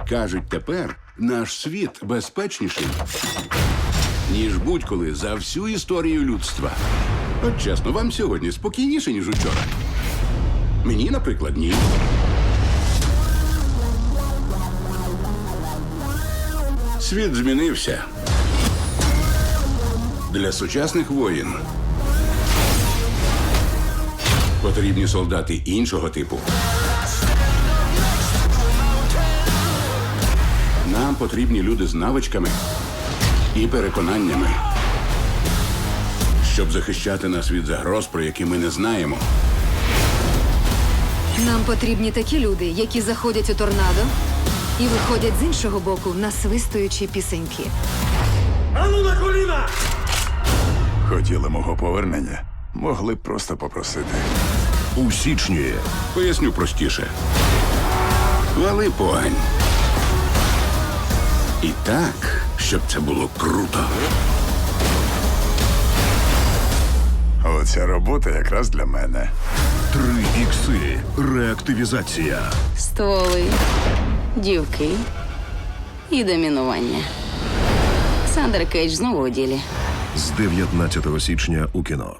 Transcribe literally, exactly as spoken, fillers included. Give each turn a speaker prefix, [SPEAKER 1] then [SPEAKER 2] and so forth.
[SPEAKER 1] Кажуть, тепер наш світ безпечніший, ніж будь-коли за всю історію людства. От чесно, вам сьогодні спокійніше, ніж учора? Мені, наприклад, ні. Світ змінився. Для сучасних воїн потрібні солдати іншого типу. Нам потрібні люди з навичками і переконаннями, щоб захищати нас від загроз, про які ми не знаємо.
[SPEAKER 2] Нам потрібні такі люди, які заходять у торнадо і виходять з іншого боку, насвистуючи пісеньки.
[SPEAKER 3] Ану на коліна!
[SPEAKER 4] Хотіли мого повернення? Могли б просто попросити.
[SPEAKER 5] У січні.
[SPEAKER 1] Поясню простіше. Вали погань. І так, щоб це було круто.
[SPEAKER 4] Оця робота якраз для мене.
[SPEAKER 5] Три ікси. Реактивізація.
[SPEAKER 6] Стволи, дівки і домінування. Сандер Кейдж знову у ділі.
[SPEAKER 5] З дев'ятнадцятого січня у кіно.